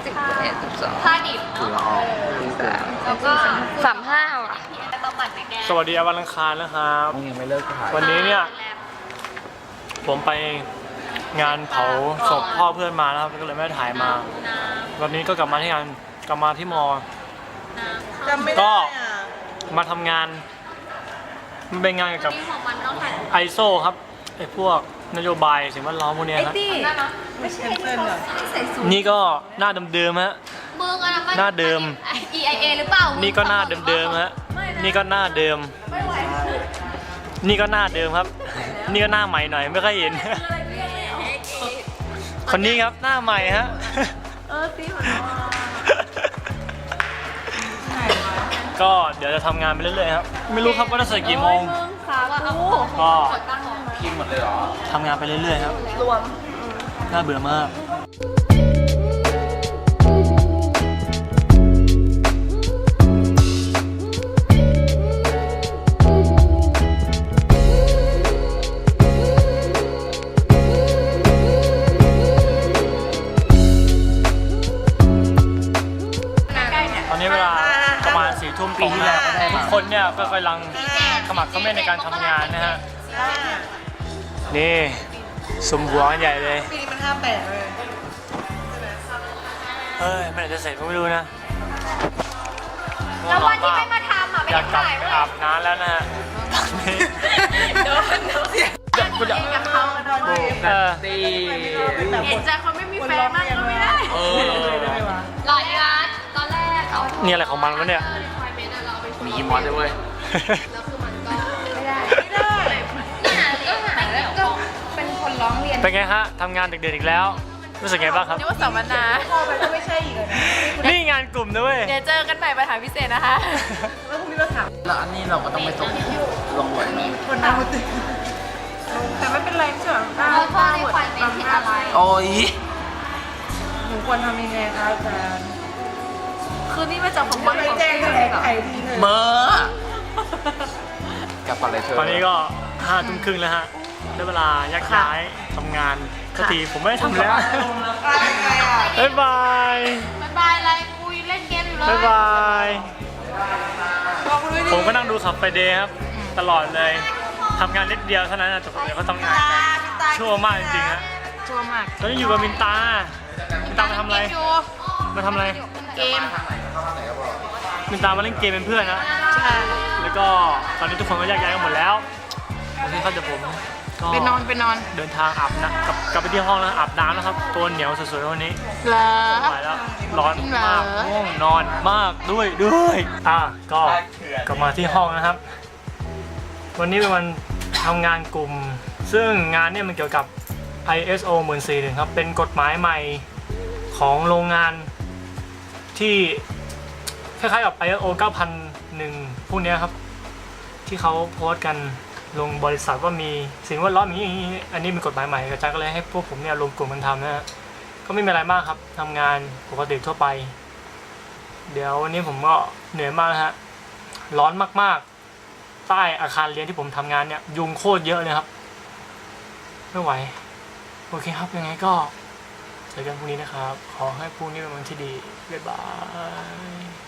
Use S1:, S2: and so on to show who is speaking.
S1: 11 12ผ้าดิบเนาะแล้วก็35ว่ะต้องหมั่นไปแก้
S2: สวัสดีวันอังคารนะครับ
S3: ยังไม่เลิกถ่าย
S2: วันนี้เนี่ยผมไปงานเผาศพพ่อเพื่อนมาแล้วครับก็เลยไม่ได้ถ่ายมา วันนี้ก็กลับมาที่งานกลับมาที่มอ
S4: จำไม่
S2: ก็
S4: ได้อ่ะ
S2: มาทำงานมันเป็นงานเกี่ยวกับ
S1: ของมันต้องถ่าย
S2: ไอโซครับไอพวกนโยบายสิ่งแวดล้อมพวกเนี้ยครับ
S4: ไม่ใช่เพื่อนเหรอ
S2: นี่ก็หน้าเดิมๆฮะ
S1: มึงอะนะ
S2: หน้าเดิม
S1: EIA หรือเปล่า
S2: นี่ก็หน้าเดิมๆฮะนี่ก็หน้าเดิม นี่ก็หน้าเดิมครับ นี่ก็หน้าใหม่หน่อยไม่ค่อยเห็น คนนี้ครับหน้าใหม่ฮะ ก็เดี๋ยวจะทำงานไปเรื่อยๆครับ ไม่รู้ครับว่าจะเสร็จกี่โมง ก็
S3: คิมหมดเลยเหรอ
S2: ทำงานไปเรื่อยๆครับ
S4: รวม
S2: น่าเบื่อมาก ตอนนี้เวลาประมาณ4 ทุ่มตรงแล้วทุกคนเนี่ยก็กำลังขมักเขม้นในการทำงานนะฮะ นี่สมหัวกันใหญ่เลย
S4: ปีนี้มัน58เลย
S2: เฮ้ยเมื่อไหร่จะเสร็จก็ไม่รู้นะ
S1: แล้ววันที่ไม่มาทำอ่ะไม่
S2: อยา
S1: ได้
S2: กกลับ
S1: ถ่าย
S2: ไป
S1: เลย
S2: อาบน้ำแล้วนะฮะตอนนี้
S4: โดนเสีย
S2: กูจะ
S1: กับเขา
S3: ตี
S1: เห็นใจคนไม่มีแฟนมากก็ไม่ได้
S4: ได้ไหมวะ
S1: หลายร้านตอนแรกเอา
S2: นี่อะไรของมันวะเนี่ย
S3: มีมอสด้วยเว้ย
S1: แล้วคือมันก็ไม่ได้ก็เป็นคนร้องเรียน
S2: เป็นไงฮะทำงานดึกๆอีกแล้ว รู้สึกไงบ้างครับ
S4: นี่ว่าสัมมนาพอไปก็ไม่ใช่อีกเลยนะ
S2: นี่งานกลุ่มนะเว้ย
S4: เดี๋ยวเจอกันใหม่ปัญหาพิเศษนะคะแล้วพรุ่งนี้เราถาม
S3: แล้วอันนี้เราก็ต้องไปส่งลงหน่วยไหม
S4: คนน้ำติแต่ไม่เป็นไรไม่ใช่หรอ
S1: เราพ่อในควายเป็นผิดอะไร
S3: โอ้ย
S4: หนูควรทำยังไงคะอาจารย์คือนี่มาจากผมว่าแจ้งแถลงไขทีเลย
S3: เบอร์กลับไปเลยเธอ
S2: ตอนนี้ก็5 ทุ่มครึ่งแล้วฮะได้เวลายักย้ายทำงานสักทีผมไม่ได้ทำแล้ว บ๊ายบาย
S1: บ๊ายบายอะไรคุยเล่นเกมอยู่เลย
S2: บ๊ายบาย ผมก็นั่งดูขับไฟเดย์ครับ ตลอดเลยทำงานนิดเดียวเท่านั้นนะแต่ผมเดี๋ยวเขาทำงานกันชั่วมากจริงๆฮะ
S4: ชัวร์มาก
S2: ตอนนี้อยู่กับมินตามาทำอะไรมาทำอะไร
S1: เกม
S2: มินตามาเล่นเกมเป็นเพื่อนนะ แล้วก็ตอนนี้ทุกคนก็แยกย้ายกันหมดแล้วโอเคครับเดี๋ยวผมก็
S4: ไปนอน
S2: เดินทางอาบน้ำกลับไปที่ห้องแล้วอาบน้ำแล้วครับตัวเหนียวสวยๆวันนี้
S4: เหรอ
S2: ไม่ไหวแล้วร้อน
S4: จริงเหรอ
S2: มากง่วงนอนมากด้วยก็กลับมาที่ห้องนะครับ วันนี้เป็นวันทำงานกลุ่ม ซึ่งงานเนี่ยมันเกี่ยวกับ ISO 14000ครับเป็นกฎหมายใหม่ของโรงงานที่คล้ายๆกับ ISO 9001พวกเนี้ยครับที่เขาโพสต์กันลงบริษัทว่ามีสิ่งแวดล้อมอย่างนี้อันนี้เป็นกฎหมายใหม่อาจารย์ก็เลยให้พวกผมเนี่ยรวมกลุ่มกันทำนะฮะก็ไม่มีอะไรมากครับทำงานปกติทั่วไปเดี๋ยววันนี้ผมก็เหนื่อยมากนะฮะร้อนมากๆใต้อาคารเรียนที่ผมทำงานเนี่ยยุงโคตรเยอะเลยครับไม่ไหวโอเคครับยังไงก็เจอกันพรุ่งนี้นะครับขอให้พรุ่งนี้เป็นวันที่ดีบ๊ายบาย